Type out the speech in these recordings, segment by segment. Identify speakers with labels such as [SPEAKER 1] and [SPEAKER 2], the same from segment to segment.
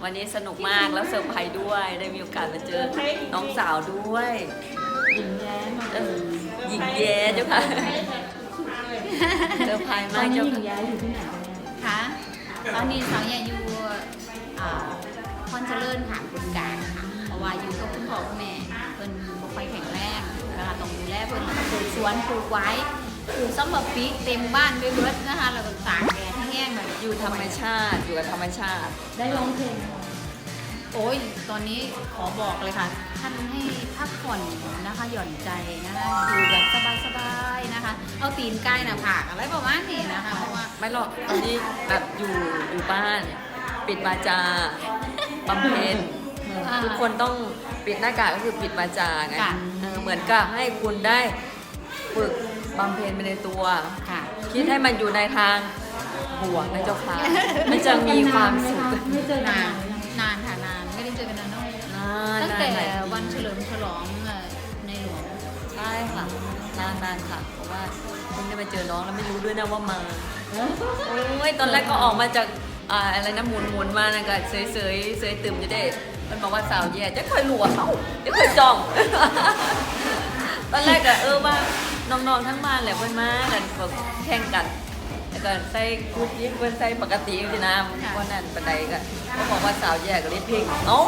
[SPEAKER 1] วันนี้สนุกมากแล้วเซอร์ไพรส์ด้วยได้มีโอกาสมาเจอน้องสาวด้วย
[SPEAKER 2] หญิงแย้
[SPEAKER 1] หญิงแย้เจ้าค่ะเซอร์ไพรส์มากเจ้าค่ะ
[SPEAKER 2] หญิงแย้อยู่ที่ไหน
[SPEAKER 3] คะตอนนี้สาวใหญ่อยู่คอนเจริญค่ะคุณกลางค่ะเพราะว่าอยู่กับคุณพ่อคุณแม่เพิ่นบ่ค่อยแข็งแรงนะคะต้องดูแลเพิ่นปลูกสวนปลูกไว้ปลูกซัมเมอร์ปีกเต็มบ้านไปเบิดนะคะแล้วก็ตากแดดให้แห้งแบบ
[SPEAKER 1] อยู่ธรรมชาติอยู่กับธรรมชาติ
[SPEAKER 2] ได้ร้องเพลง
[SPEAKER 3] โอ้ยตอนนี้ขอบอกเลยค่ะท่านให้พักผ่อนนะคะหย่อนใจนะคะอยู่แบบสบายๆนะคะเอาตีนใกล้หน้าผากอะไรประมาณนี้นะคะเพราะว่า
[SPEAKER 1] ไม่หรอกตอนนี้แบบอยู่บ้านปิดวาจาบำเพ็ญทุกคนต้องปิดหน้ากากก็คือปิดวาจาไงเหมือนกับให้คุณได้ฝึกบำเพ็ญไปในตัวคิดให้มันอยู่ในทางบวกนะเจ้าค่ะมันจะมีความสุข
[SPEAKER 2] ไม่เจอน
[SPEAKER 3] านค่ะนานไม่ได้เจอกันนานตั้งแต่วันเฉลิมฉลองในหลวง
[SPEAKER 1] ใช่ค่ะนานค่ะเพราะว่าเพิ่งได้มาเจอน้องแล้วไม่รู้ด้วยนะว่ามาโอ้ยตอนแรกก็ออกมาจากอะไรนะหมุนมานะก็เสยตื่มจะได้มันบอกว่าสาวแย่จะเคยหลวเขาจะเคยจองตอนแรกก็ว่าน้องๆทั้งบ้านแหละเพื่อนมากันแข่งกันแล้วก็ใส่กูยิ้มเพื่อนใส่ปกติจริงๆนะวันนั้นปันใดก็เขาบอกว่าสาวแย่ก็เล่นเพลง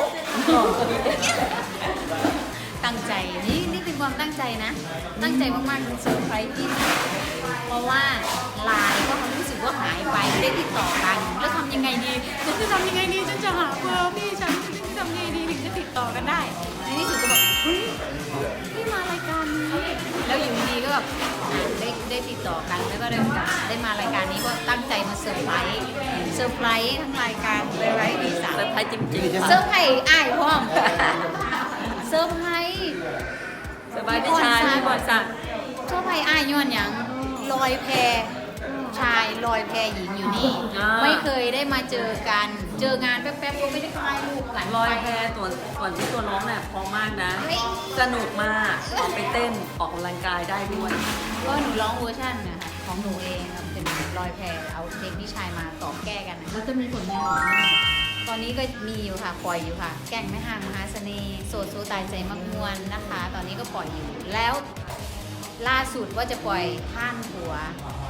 [SPEAKER 3] ตั้งใจนี่เป็นความตั้งใจนะตั้งใจมากๆเซอร์ไพรส์ที่เพราะว่าไลน์ก็รู้สึกว่าหายไปไม่ได้ติดต่อกันแล้วทำยังไงดีฉันจะทำยังไงดีฉันจะหาเบอร์พี่ฉันจะทำยังไงดีถึงจะติดต่อกันได้ในที่สุดก็บอกเฮ้ยพี่มารายการนี้แล้วอยู่ดีก็แบบได้ติดต่อกันแล้วก็ได้มารายการนี้ก็ตั้งใจมาเซอร์ไพรส์ทั้งรายการเลยไว้ดีสาม
[SPEAKER 1] เซอร์ไพรส์จริงๆ
[SPEAKER 3] เซอร์ไพรส์อ้ายพ่อมเซอร์ไพรส์
[SPEAKER 1] พี่ชายพี่บอลสัก
[SPEAKER 3] เซอร์ไพรส์อ้ายย้อนอย่างลอยแพชายลอยแพหญิงอยู่นี่ไม่เคยได้มาเจอกันเจองานแป๊บๆก็ไม่ได้ถ่ายรูปกัน
[SPEAKER 1] ลอยแพส่วนที่ตัวร้องเนี่ยพอมากนะสนุกมากออกไปเต้นออกกำลังกายได้ด้วย
[SPEAKER 3] ก็หนูร้องเวอร์ชันนะคะของหนูเองเป็นลอยแพเอาเพลงพี่ชายมาต่อแก้กันนะ
[SPEAKER 2] แล้วจะมีผลงาน
[SPEAKER 3] ตอนนี้ก็มีอยู่ค่ะปล่อยอยู่ค่ะแก่งแม่ห่างมหาเสน่ห์โสดโซตายใจมักมวนนะคะ ตอนนี้ก็ปล่อยอยู่แล้วล่าสุดว่าจะปล่อยท่านหัว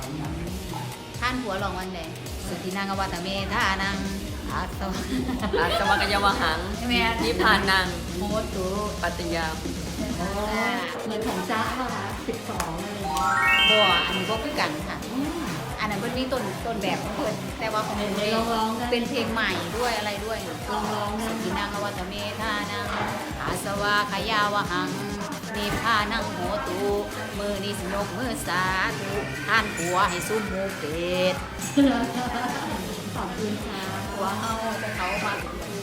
[SPEAKER 3] ลองวันไหนสุธินางอวัตเมธานังอา
[SPEAKER 1] สวากยวหังนิพพานัง
[SPEAKER 3] โมตุ
[SPEAKER 1] ปัตติยา
[SPEAKER 2] เหมือนของจ้าป่ะคะ12อะไร
[SPEAKER 3] บ่อันนี้ก็คือกันค่ะอันนั้นมันมีต้นแบบของเพิ่นแต่ว่าของหนูเป็นเพลงใหม่ด้วยอะไรด้วย
[SPEAKER 2] ร้อง
[SPEAKER 3] สุธินางอวัตเมธานังอาสวาขยาวหังนิพพานังโหตุมือนี้สนกมือสาธุท่านผัวให้ซุ่มหมูเป็ด
[SPEAKER 2] ขอบคุณค่ะ
[SPEAKER 3] ผัวเฮาแต่เขามา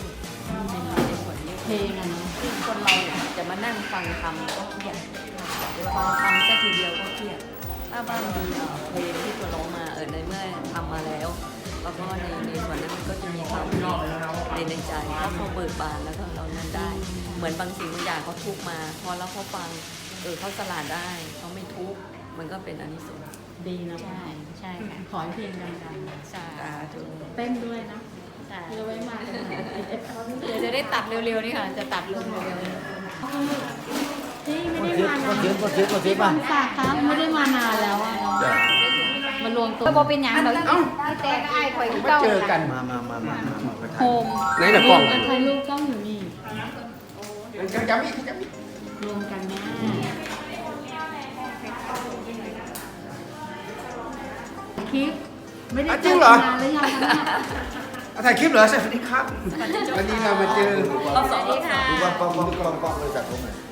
[SPEAKER 2] เพลงอะเนาะ
[SPEAKER 1] คนเราจะมานั่งฟังคำก็เครียดฟังคำแค่ทีเดียวก็เครียดถ้าบ้านมีเพลงที่ตัวร้องมาในเมื่อทำมาแล้วแล้วก็ในส่วนนั้นมันก็จะมีความนอกในใจถ้าเขาเบิกบานแล้วก็เรานั้นได้เหมือนบางสิ่งบางอย่างเขาทุกมาพอแล้วเขาฟังเขาสลาดได้เขาไม่ทุกมันก็เป็นอานิสงส์
[SPEAKER 2] ดีนะ
[SPEAKER 3] ใช่ค่ะ
[SPEAKER 2] ขอให้เพลงดังๆ
[SPEAKER 3] ใช่
[SPEAKER 2] เต้นด้วยนะเดี๋ยวไว้มา
[SPEAKER 3] เดี๋ยวจะได้ตัดเร็วๆนี่ค่ะจะตัดลงเร็ว
[SPEAKER 2] ๆที่ไม่ได้มานานฝากครับไม่ได้มานานแล้วอ่ะมารวมตัว
[SPEAKER 3] ก็เป็นอย่างเราแต่ก็ไอ้ข่อย
[SPEAKER 4] มาเจอกันมา
[SPEAKER 3] โฮม
[SPEAKER 4] ไหนแต่กล้อง
[SPEAKER 2] ถ่ายรูปกล้องอยู่นี่
[SPEAKER 4] จำอีก
[SPEAKER 2] รวมกันแม่คลิปไม่ได้
[SPEAKER 4] จริงเหรอ
[SPEAKER 2] แล้วยัง
[SPEAKER 4] ถ่ายคลิปเหรอสวัสดีครับวันนี้เรามาเจอ
[SPEAKER 1] รอบสองรอบสาม
[SPEAKER 4] ดูว่าป้องเลยจากตรงไหน